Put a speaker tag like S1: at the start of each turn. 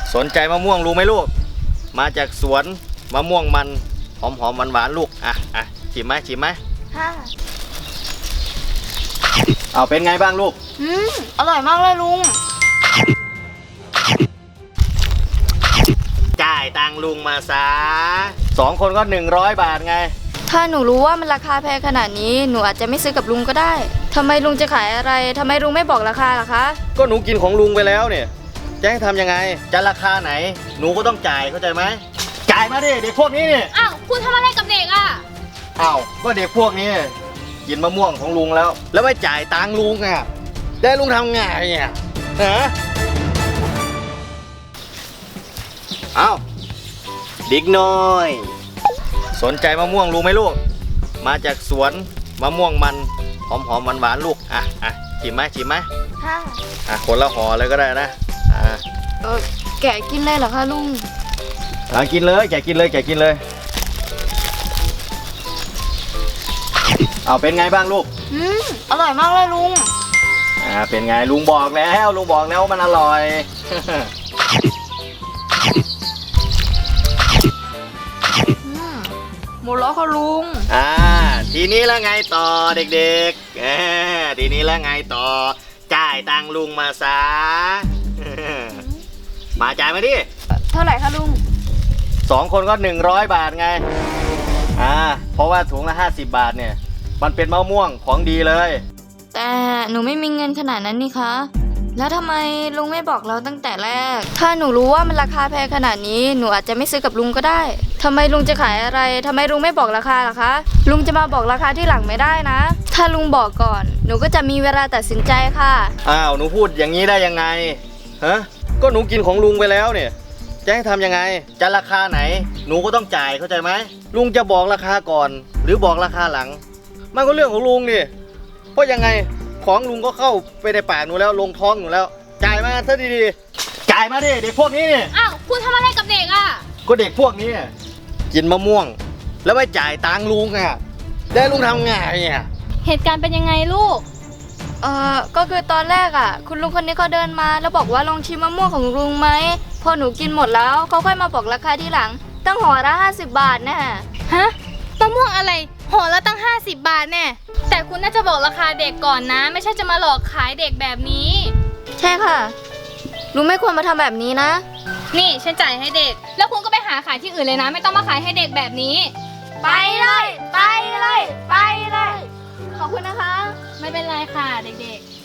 S1: สนใจมะม่วงรู้ไหมลูกมาจากสวนมะม่วงมันหอมหวานลูกชิมไหม
S2: ค่ะ
S1: เอาเป็นไงบ้างลูก
S2: อร่อยมากเลยลุง
S1: จ่ายตังลุงมาซะ2 คนก็100 บาทไง
S2: ถ้าหนูรู้ว่ามันราคาแพงขนาดนี้หนูอาจจะไม่ซื้อกับลุงก็ได้ทำไมลุงจะขายอะไรทำไมลุงไม่บอกราคาล่ะคะ
S1: ก็หนูกินของลุงไปแล้วเนี่ยจะให้ทำยังไงจะราคาไหนหนูก็ต้องจ่ายเข้าใจไหมจ่ายมาดิเด็กพวกนี้เนี่ย
S3: อ้าวคุณทำอะไรกับเด็กอ่ะ
S1: อ้าวก็เด็กพวกนี้กินมะม่วงของลุงแล้วไม่จ่ายตังลุงอ่ะได้ลุงทำไงเนี่ยฮะอ้าวเด็กน้อยสนใจมะม่วงรู้ไหมลูกมาจากสวนมะม่วงมันหอมหวานลูกชิมไหม
S2: ค่ะ
S1: คนละห่อเลยก็ได้นะ
S2: แกะกินเลยเหรอคะลุง
S1: กินเลยแกกินเลยเอาเป็นไงบ้างลูก
S2: อร่อยมากเลยลุง
S1: เป็นไงลุงบอกแล้วมันอร่อย
S2: หมดแล้วค่ะลุง
S1: ทีนี้แล้วไงต่อเด็กๆทีนี้แล้วไงต่อจ่ายตังลุงมาซะมาจ่ายมาดิ
S2: เท่าไหร่คะลุง
S1: 2 คนก็100 บาทไงเพราะว่าถุงละ50 บาทเนี่ยมันเป็นมะม่วงของดีเลย
S2: แต่หนูไม่มีเงินขนาดนั้นนี่คะแล้วทำไมลุงไม่บอกเราตั้งแต่แรกถ้าหนูรู้ว่ามันราคาแพงขนาดนี้หนูอาจจะไม่ซื้อกับลุงก็ได้ทำไมลุงจะขายอะไรทำไมลุงไม่บอกราคาล่ะคะลุงจะมาบอกราคาที่หลังไม่ได้นะถ้าลุงบอกก่อนหนูก็จะมีเวลาตัดสินใจค่ะ
S1: หนูพูดอย่างนี้ได้ยังไงก็หนูกินของลุงไปแล้วเนี่ยจะให้ทำยังไงจะราคาไหนหนูก็ต้องจ่ายเข้าใจไหมลุงจะบอกราคาก่อนหรือบอกราคาหลังมันก็เรื่องของลุงดิเพราะยังไงของลุงก็เข้าไปในปากหนูแล้วลงท้องหนูแล้วจ่ายมาซะดีๆจ่ายมาดิเด็กพวกนี้เนี่ย
S3: อ้าวคุณทำอะไรกับเด็กอ่ะ
S1: ก็เด็กพวกนี้กินมะม่วงแล้วไม่จ่ายตังลุงได้ลุงทำไง
S3: เหตุการณ์เป็นยังไงลูก
S2: ก็คือตอนแรกคุณลุงคนนี้เขาเดินมาแล้วบอกว่าลองชิมมะม่วงของลุงไหมพอหนูกินหมดแล้วเขาค่อยมาบอกราคาที่หลังตั้งห่อละ50 บาทแน่
S3: ฮะมะม่วงอะไรห่อละตั้ง50 บาทแน่แต่คุณน่าจะบอกราคาเด็กก่อนนะไม่ใช่จะมาหลอกขายเด็กแบบนี้
S2: ใช่ค่ะลุงไม่ควรมาทำแบบนี้นะ
S3: นี่ฉันจ่ายให้เด็กแล้วคุณก็ไปหาขายที่อื่นเลยนะไม่ต้องมาขายให้เด็กแบบนี้
S2: ไปเลยขอบคุณนะคะ
S3: ไม่เป็นไรค่ะเด็กๆ